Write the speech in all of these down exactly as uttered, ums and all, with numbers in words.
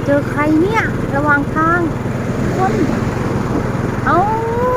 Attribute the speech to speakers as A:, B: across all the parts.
A: เจอใครเนี่ยระหว่างทางคนเอ้า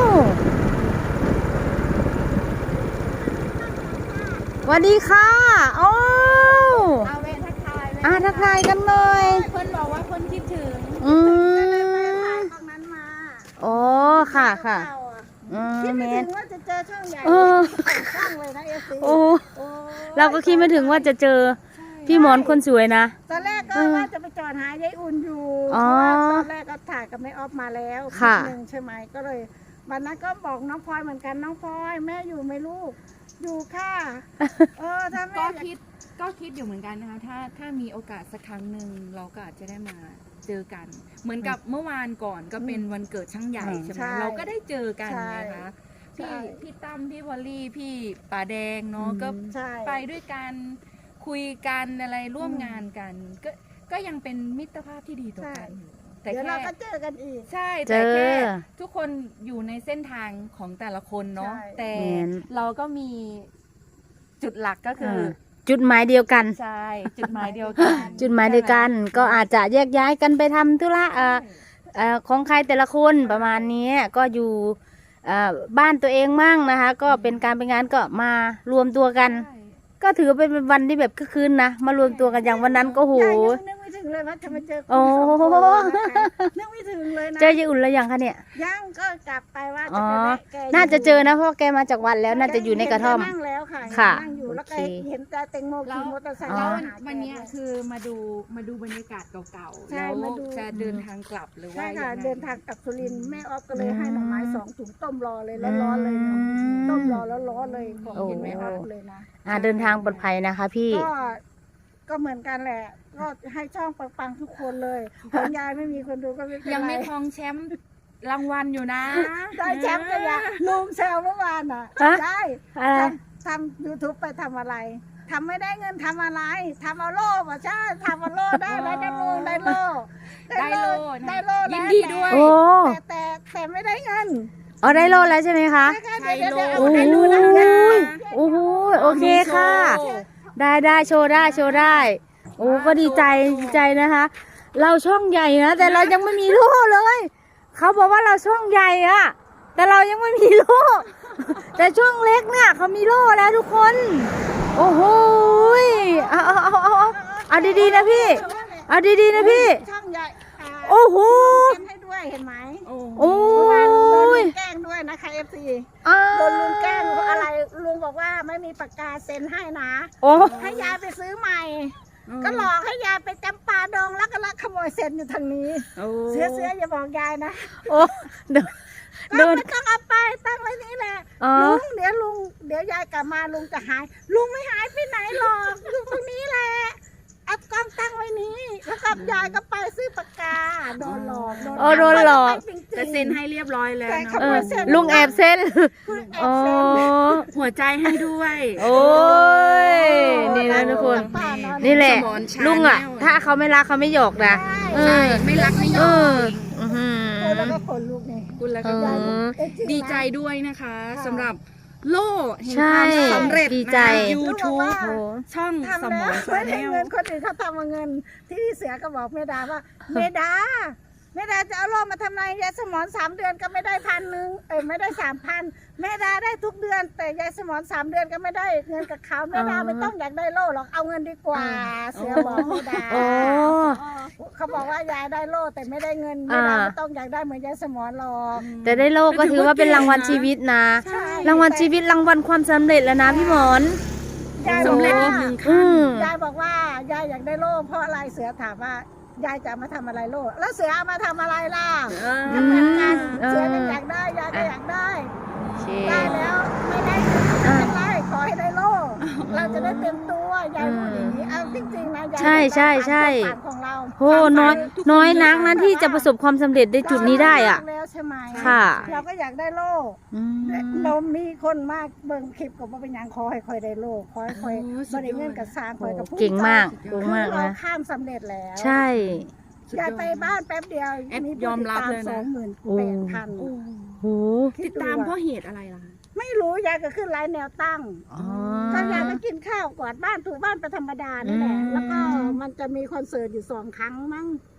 A: สวัสดีค่ะโอ้
B: เอาเวทักทาย
A: อ่าทักทายกันหน่อย
B: เพิ่นบอกว่าเพิ่นคิดถึง
A: อืม
B: ตรงนั้นมา
A: โอ้ค่ะค่ะอืม
B: คิด
A: แม
B: ไม่
A: น
B: ถึงว่าจะเจอช่องใหญ่
A: เออ
B: ช่องเลยนะเอฟซี
A: โอ้เราก็คิดไม่ถึงว่าจะเจอพี่หมอนคนสวยนะ
B: ตอนแรกก็ว่าจะไปจอดหายายอุ่นอยู่เพ
A: อ๋อ
B: ราะว่าตอนแรกก็ถ่ายกับแม่ออฟมาแล้ว
A: ค่ะ
B: หนึ่งใช่ไหมก็เลยวันนั้นก็บอกน้องพลอยเหมือนกันน้องพลอยแม่อยู่ไหมลูกอยู่ค่ะเออถ้าแม่
C: ก็คิดก็คิดอยู่เหมือนกันนะคะถ้าถ้ามีโอกาสสักครั้งหนึ่งเราก็อาจจะได้มาเจอกัน เหมือนกับเมื่อวานก่อนก็เป็นวันเกิดช่างใหญ่ใช่ไหมเราก็ได้เจอกันนะคะพี่พี่ตั้มพี่วอลลี่พี่ป่าแดงเนาะก็
B: ใช่
C: ไปด้วยกันคุยกันอะไรร่วมงานกันก็ก็ยังเป็นมิตรภาพที่ดีต่อกันอยู่แต่
B: เดี๋ยว
C: แค่
B: เราก็เจอกันอีก
C: ใช่
A: เจ
C: แต่
A: อ
C: แค่ทุกคนอยู่ในเส้นทางของแต่ละคนเนาะ
B: ใช่
C: แต่
A: แม่น
C: เราก็มีจุดหลักก็คืออ
A: จุดหมายเดียวกัน
C: ใช่จุดหมายเดียวกัน
A: จุดหมายเดียวกันก็อาจจะแยกย้ายกันไปทำธุระเอ่อเอ่อของใครแต่ละคนประมาณนี้ก็อยู่เอ่อบ้านตัวเองมั่งนะคะ ก็เป็นการเป็นงานก็มารวมตัวกัน
C: ใช่
A: ก็ถือเป็นวันที่แบบคึกคืนนะมารวมตัวกันอย่างวันนั้นก็โห
B: ยายยังนึกไม่ถึงเลยว่าจะมาเจอ
A: โอ้
B: คุณสองคนนะคะนึกไม่ถึงเลยนะ
A: เจอยายอุ่นแล้วยังคะเนี่ย
B: ยังก็กลับไปว่า
A: อ๋
B: จะ
A: อ
B: ไปแวะแกยู่
A: น่าจะเจอนะเพราะแกมาจากวัดแล้วน่าจะอยู่ในกระท่อม
B: นั่งแล้วค่ะ
A: ค่ะ
B: นั่งอยู่แล้วก็
A: โอเค
B: เห็นแต่แตงโม
C: แล้
B: ขี่
C: ว
B: มอเตอร์ไซค์
C: แล้ว
B: มา
C: วัน
B: หาแก
C: วันเนี้ยคือมาดูมาดูบรรยากาศเก่าๆ
B: ใช่
C: แล้ว
B: มาดู
C: จะเดินทางกลับหรือว่า
B: ใช่ค่ะ
C: ยังไง
B: เดินทางกลับสุรินทร์แม่ออฟก็เลยให้หน่อไม้สองถุงต้มรอเลย
A: อื
B: แล้ว
A: ม
B: ร้อนเลยเนาะต้มรอแล้วร้อนเลยของ
A: โอ้
B: กินแม่ออฟเลยนะ
A: อ่าเดินทางปลอดภัยนะคะพี่
B: ก็ก็เหมือนกันแหละ ก็ให้ช่องปังๆทุกคนเลยของยายไม่มีคนดูก็ไม่เป็นไร
C: ยังไม่ครองแชมป์รางวัลอยู่นะ
B: ได้แชมป์กันยาลุงแซวเมื่อวานอ่ะ
A: ฮะ
B: ได้
A: อะไร
B: ทำทำยูทูบไปทำอะไรทำไม่ได้เงินทำอะไรทำเอาโล่ป่ะใช่ทำเอาโล่ได้ได้ได้ลุงได้โล่
C: ได้โล่นะ
B: ได้โล่
C: ยิน
B: แล้ว
C: ดีด้วย
A: โอ้
B: แต่แต่แต่ไม่ได้เงิน
A: อ๋อได้โลแล้วใช่ไหมคะ
B: เดี๋ยวเดี๋ยวเดี๋ยว
A: โอ้
B: เอา
A: โห
B: ให้ดูนะ
A: โอ้โหโอเคค่ะ ได้ได้โชว์ได้โชว์ได้ โอ้ก็ดีใจดีใจนะคะ เราช่องใหญ่นะแต่เรายังไม่มีโล่เลย เขาบอกว่าเราช่องใหญ่อะแต่เรายังไม่มีโล่แต่ช่องเล็กเนี่ยเขามีโล่แล้วทุกคน โอ้โหเอาเอาเอาเอาเอาเอาดีๆนะพี่ เอาดีๆนะพี่
B: ช่องใหญ่อ่า
A: โอ้โห
B: ทำให้ด้วยเห็นไหม
C: โอ้
A: โอ้
B: เมื่อวานโดนลุ
A: ย
B: งแกล้งด้วยนะคะเอฟซี
A: อ้า
B: โดนลุงแกล้งเพราะอะไรลุงบอกว่าไม่มีปากกาเซ็นให้นะ
A: โอ้
B: ให้ยายไปซื้อใหม่ ก็หลอกให้ยายไปจำปาดงแล้วก็ลักขโมยเซ็นอยู่ทางนี้
C: โอ้
B: เสือเสืออย่าบอกยายนะ
A: โอ้โดน
B: ก็
A: โดน
B: ไม่ต้องเอาไปตั้งไว้นี่แหละ
A: อ๋อ
B: ลุงเดี๋ยวลุงเดี๋ยวยายกลับมาลุงจะหาย ลุงไม่หายไปไหนหรอกอยู่ตรงนี้แหละเอากล้องตั้งไว้นี้แล้วกับยายก็ไปซื้อปากกาโดนหลอก
A: อ๋อโดนหลอก
B: จริงๆ
C: แต่เซ็นให้เรียบร้อยแล้ว
B: แต่
C: เนาะ
B: ข
A: เอ
B: โม
A: อย
B: เซ็น
A: ลุงแอบเส้น
B: คุณแอบ
A: อ๋อ
B: เซ็น
C: หัวใจให้ด้วย
A: โอ้ย นี่นะทุกคน
B: ป้านอน
A: นี่แหละ
C: สมรชา
A: ลุงอ่ะ
C: แนว
A: ถ้าเขาไม่รักเขาไม่หยอกนะ เอ
C: ใช่
A: อ
C: ไม่รักไม่ย
A: เอ
C: อ
A: อ
C: ม
A: อื้อหื
B: โอ้แล้ว
A: อ
B: ก็ขนลุกนี่
C: คุณแล้ว
A: เอ
C: ก็
A: อ
B: เอ้ยจริงนะ
C: ดีใจด้วยนะคะ
B: ค่ะ
C: สำหรับโล่แห่ง
A: ใช่
C: ความสำเร็จ
A: ดีใจ
C: ยูทูบ
A: โอ้
C: ช่องส
B: ทำ
C: ม
B: แล้ว
C: รชา
B: ไม่
C: แน
B: ได้
C: ล
B: เงินคนอื่นเขาทำเอาเงิน ที่เสือก็บอกเมดาว่า เมดาเมดาจะเอาโล่มาทำไมยายสมอนสามเดือนก็ไม่ได้พันหนึ่งเอ้ยไม่ได้สามพันเมดาได้ทุกเดือน แต่ยายสมอนสามเดือนก็ไม่ได้เงินกับเขาเมดาไม่ต้องอยากได้โล่หรอกเอาเงินดีกว่า เสือบอกเมดา
A: โอ้
B: เขาบอกว่ายายได้โล่แต่ไม่ได้เงินเมดาไม่ต้องอยากได้เหมือนยายสมอนหรอก
A: แต่ได้โลกก็ถือว่าเป็นรางวัลชีวิตนะ
B: ใช่
A: รางวัลชีวิตรางวัลความสำเร็จแล้วนะพี่หมอน
B: ยาย
C: สำเร็จ
B: บอก
C: อีก
B: ว่า
C: หนึ่ง
A: อื
C: ขั้น
A: ม
B: ยายบอกว่ายายอยากได้โล่เพราะอะไรเสือถามว่ายายจะเอามาทำอะไรโล่แล้วเสือเอามาทำอะไรล่ะ
C: เออ
B: ก็เหมือนกัน
A: เออ
B: เสือก็อยากได้ยายก็อยากได้
A: โอเค
B: ได้แล้วไม่ได้ไม่เป็นไรขอให้ได้โล่เราจะได้เต็มตัวยายพูดอย่างนี้เอาจริงๆนะยาย
A: ใช่ใช่ใช่
B: ความฝันของเรา
A: โหน้อยน้อยนักนะที่จะประสบความสำเร็จในจุดนี้ได้อ่ะ
B: แล้วใช่ไหม
A: ค่ะ
B: เราก็อยากได้โล่
A: อืม
B: เรามีคนมากเบิ่งคลิปกับว่าเป็นหยังขอให้คอยได้โล่ขอให้คอย
C: โอ้สุ
B: บ
C: ดยอด
B: ริเงินกับสร้างคอยกับผู้
A: เก่งมาก
B: ใจ
A: เก่งมาก
B: เรา
A: นะ
B: ข้ามสำเร็จแล้ว
A: ใช่
C: สุดย
B: ยา
C: อย ด
B: ไปบ้านแป๊บเดียว
C: แอด
B: มี
C: ยอมรับเลยนะ
B: สองหมื่น
A: โอ้
B: แปดพัน
C: โอ้
A: โห
C: ติดตามเพราะเหตุอะไรล่ะ
B: ไม่รู้ยายก็ขึ้นไลน์แนวตั้ง
A: อ๋อ
B: ก็ยายก็กินข้าวกวาดบ้านถูบ้านไปธรรมดานี่แหละ
A: อืม
B: แล้วก็มันจะมีคอนเสิร์ตอยู่สองครั้งมั้ง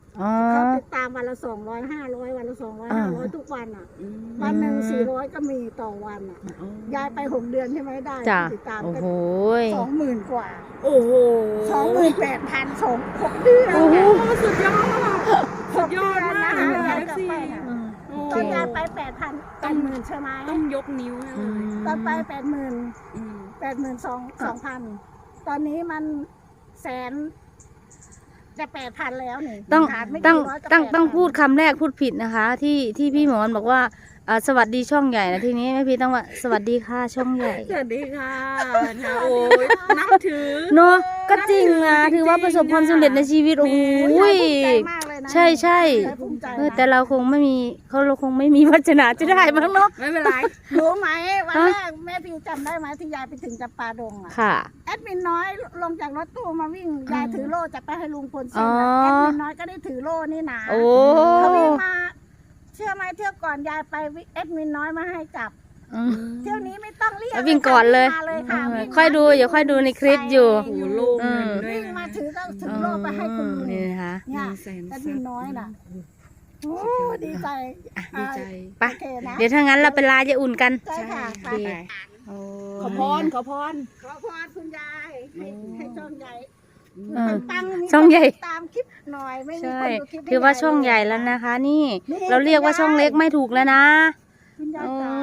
A: อ๋อ
B: เขาติดตามวันละสองร้อยห้าร้อยวันละสองร้อย
A: อ่า
B: ห้าร้อยทุกวันอ่ะ
C: อืม
B: วันหนึ่งสี่ร้อยก็มีต่อวันอ่ะ
C: อ๋อ
B: ยายไปหกเดือนใช่ไหมได้
A: จ้ะ
B: ติดตาม
A: โอ้
B: ก็
A: โห
B: สองหมื่นกว่า
C: โอ้โห
B: สองหมื่นแปดพันสองหกเดือน
A: โอ้โห
C: สุดยอด
B: หกเดือนนะคะยายกลับไปน่ะ
C: โอ้
B: ตอนยายไปแปดพันแปดหมื่นใช่ไหม
C: ต้องยกนิ้วให้เลย
B: ตอนไปแปดหมื่น
C: อืม
B: แปดหมื่นสองสองพันตอนนี้มันแสนจะแปดพันแล้วนี่
A: ต้อง
B: ขาดไม่
A: ต้อง
B: กี่ร้อยก็
A: ต้อง
B: แปดพัน
A: ต้องพูดคำแรกพูดผิดนะคะ ที่ที่พี่หมอนบอกว่าอ่าสวัสดีช่องใหญ่นะทีนี้แม่พี่ต้องว่าสวัสดีค่ะช่องใหญ่
C: สวัสดีค่ะนะโอ้ยนับถือ
A: เนาะก็จริงนะถือว่าประสบความสำเร็จในชีวิตโอ้โห
B: ยายภูมิใจมากเลยนะ
A: ใช่ใช่
B: ยายภูมิใจ
A: เออ
B: นะ
A: แต่เราคงไม่มีเขาเราคงไม่มีวัฒนาจะได้มั้งเนาะ
C: ไม่เป็นไร
B: รู้ไหมวัน
A: ฮะ
B: แรกแม่พี่จำได้ไหมที่ยายไปถึงจำปาดงอ่ะ
A: ค่ะ
B: แอดมินน้อยลงจากรถตู้มาวิ่งยายถือโล่จะไปให้ลุงพลเซ็น
A: อ๋อ
B: แอดมินน้อยก็ได้ถือโล่นี่นะ
A: โอ้
B: เขาวิ่งมาเชื่อไหมเที่ยวก่อนยายไปแอดมินน้อยมาให้จับ
A: อืม
B: เที่ยวนี้ไม่ต้องเรียก
A: แล้ววิ่งก่อนเลย
B: มาเลยค่ะ
A: เออ
B: วิ่งมา
A: ค่อยดูเดี๋ยวค่อยดูในคลิปอยู่
C: โอ้โหโล่เงินด้วย
B: วิ่ง
C: นะ
B: มาถือก็ถือโล่ไปให้คุณลุง
A: นี่นะคะ
B: เนี่ย
C: มีแสน
B: แอด
C: ซั
B: มิ
C: บ
B: นน้อยน่ะโอ้ดีใจ
C: ดีใจ
A: ไป
B: โอเคนะ
A: เดี๋ยวถ้างั้นเราไปลายายอุ่นกัน
B: ใช่ค่ะไป
C: ไป
A: โอ้
C: ขอพรขอพร
B: ขอพรคุณยายให้ให้ช่องใหญ่
A: เออ
B: ปังๆมี
A: ช่องใหญ่
B: คนตามคลิปหน่อยไม่มี
A: ใช่
B: คนดูคลิปให้
A: ถือว่าช่อง
B: ยย
A: ใหญ่
B: เลย
A: แล้วนะคะ นี่
B: นี่
A: เราเรียกว่าช่องเล็กไม่ถูกแล้วนะ
B: คุณยาย
A: โอ้
B: จ๋าย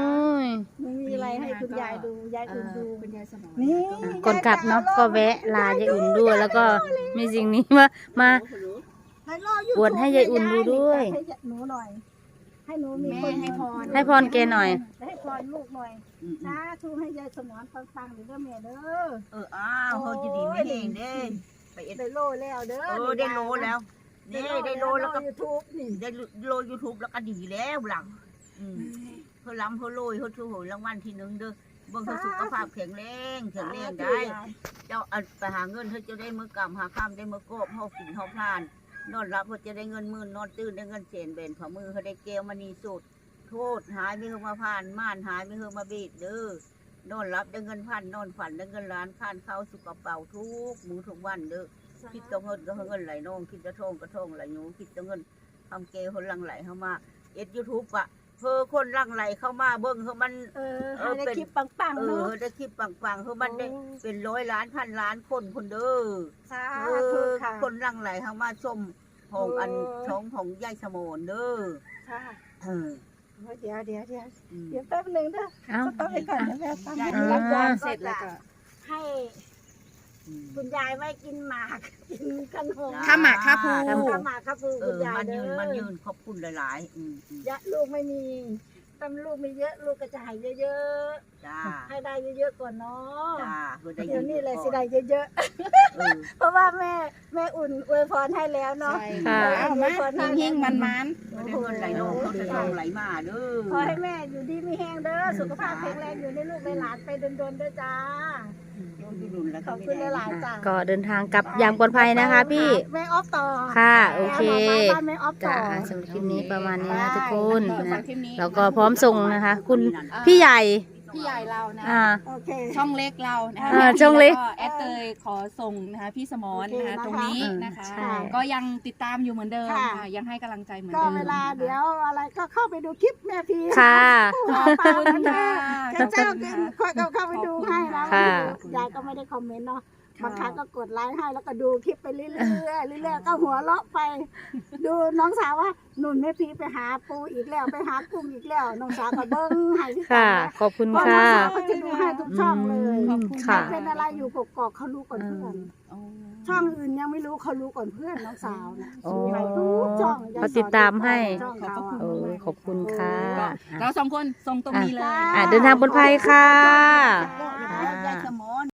B: ไม่มีอะไรให้คุณยายดูยาย
C: เอ่
B: อุ่น
C: อ
B: ดู
C: คุณยายสมร
B: นี่
A: ก่อนกลับเนาะก็แวะลายายอุ่นด้วยแล้วก็มีสิ่งนี้มามา
B: ให้รออยู่
A: อวดให้ยายอุ่นดูด้วย
B: ให้หนูหน่อย ให้หนูมี
C: แม่
B: คน
C: ให้พร
A: ให้พรแกหน่อย
B: ให้พรลูกหน่อยนะทูให้ยายสมรฟังๆหรือเด้อแม่เด้อ
D: เอออ้าวเฮาจะดีไม่เองเด้ไปเอ็ด
B: ได้โลแล้วเด้อ
D: เออได้โลแล้วนี่ได้โลแล้วก็
B: ยูทูบนี่
D: ได้โลยูทูบแล้วก็ดีแล้วหลังอืมเพื่อล้ำเพื่อโลยเพื่อถูกรางวัลที่หนึ่งเด้อเบิ่งเธอสุขภาพแข็งแรงแข็งแรงได้ เจ้าเอาไปหาเงินเธอจะได้มือกำหาข้ามได้มือกบเฮากินเฮาพลานนอนรับเพื่อจะได้เงินหมื่นนอนตื่นได้เงินเศนเบนฝ่ามือเขาได้เกลมานีสุดโทษหายไม่เฮอมาผ่านม่านหายไม่เฮอมาบีดเด้อนอนรับได้เงินพันนอนฝันได้เงินล้านข้านเข้าสุกกระเป๋าทุกมือทุกวันเด้อ คิดจะเงินก็เงินไหลน้องคิดจะทองก็ทองไหลหนูคิดจะเงินทำเกลคนหลังไหลเข้ามาเอ็ดยูทูบอะเพอคนหลังไหลเข้ามาเบิ้งเขามัน
B: เออให้ได้คลิปปัง
D: เอ
B: ๆ
D: อ
B: เนาะ
D: ได้คลิปปังๆเขามันได้เป็นร้อยล้านพันล้านคนคนเด้อ
B: สา
D: เอ
B: ธุ
D: อ
B: ค่ะ
D: คนหลังไหลเข้ามาชมของอัน
B: เออ
D: ช่องของยายสมนเด้อ
B: ค่ะ
D: เออ
B: เดี๋ยวเดี๋ยวเดี๋ยว
D: อืม
B: เดี๋ยวแป๊บหนึงเด้อ
A: เอ้า
B: ต้องไปก่อนนะแม่ตั้ง
D: ยาย
A: อ่า
B: รับยา
C: เสร็จแล้วก็
B: ให้
D: อืม
B: คุณยายไม่กินหมากกินขนม
C: ข้าวหมากข้าวภู
B: ทำหมากครับปู
D: เอ
B: คุณ
D: อย
B: าย
D: มัน
B: เด้
D: ยืน
B: อ
D: มันยืนขอบคุณหลายๆอืมอืม
B: ยะลูกไม่มีตำลูกมีเยอะลูกก็จะให้เยอะ
D: จ้า
B: ๆให้ได้เยอะๆก่อนเนาะ
D: จ้าเพื่อได้
B: เดี๋ยวนี้เลยสิ
D: ก่อ
B: ได้เยอะ
D: เออ
B: ๆเพราะว่าแม่แม่อุ่นอวยพรให้แล้วเนาะ
C: ใช่
A: ค่ะ
C: เอามาเฮงๆมันมัน
D: ไม่ได้เงินไหลน้องเขาจะทองไหลมาเด้อ
B: ขอให้แม่อยู่ดีมีแห้งเด้อสุขภาพแข็งแรงอยู่ในลูกในหลานไปดนๆเด้อจ้าขอบคุณหลายๆจ้า
A: ก็เดินทางกลับอย่างปลอดภัยนะคะพี่
B: แม่ออฟต่อ
A: ค่ะโอเค
B: แม่บอกว่าบ้านแม่ออฟต่
A: จ้า
B: อ
A: สำหรับคลิปนี้ประมาณนี้นะทุกคน
C: ฝา
A: นะ
C: กคลิปนี้
A: แล้วก็พร้อมส่งนะคะ คุณพี่ใหญ่
C: พี่ใหญ่เรานะ
A: อ่า
B: โอเค
C: ช่องเล็กเรานะคะ
A: อ่าช่องเล็ก
C: แวแอดเตยขอส่งนะคะพี่สมรนะคะ
B: โอเคนะคะ
C: ตรงนี้นะคะ
A: ใช่
C: ก็ยังติดตามอยู่เหมือนเดิม
B: ค่ะ
C: ค่ะยังให้กำลังใจเหมือน
B: ก็
C: เดิม
B: เวลา
C: นะคะ
B: เดี๋ยวอะไรก็เข้าไปดูคลิปแม่พี
A: ค่ะ
B: ขอบคุณค่ะข้าเจ้าก็ค่อยเข้าไปดูให้นะ
A: ค่ะ
B: ยายก็ไม่ได้คอมเมนต์เนาะบางครั้งก็กดไลค์ให้แล้วก็ดูคลิปไปเรื่อยๆเรื่อยๆก็หัวเราะไป ดูน้องสาวว่าหนุนแม่พีไปหาปูอีกแล้วไปหากุ้งอีกแล้วน้องสาวก็เบิ้งให้ที่
A: ค่ะ
B: ตา
A: ขอบคุณ
B: เพราะน้อ
A: ค่ะ
B: งสาวก็จะดูให้ทุกช่องเลย
A: อืมค่ะ
B: เป็นอะไรอยู่กกอกเขารู้ก่อนเพื่อน
C: อ๋อ
B: ช่องอื่นยังไม่รู้เขารู้ก่อนเพื่อนน้องสาวนะ
A: โอ้
B: ไปทุกช่อง
A: เขาติดตามให้
B: ช่องเขาอะ
A: โอ้ขอบคุณค่ะ
C: เราสองคนส่งตรงนี้เลย
A: อ่ะเดินทางปลอดภัยค่ะ
D: ยายสมอน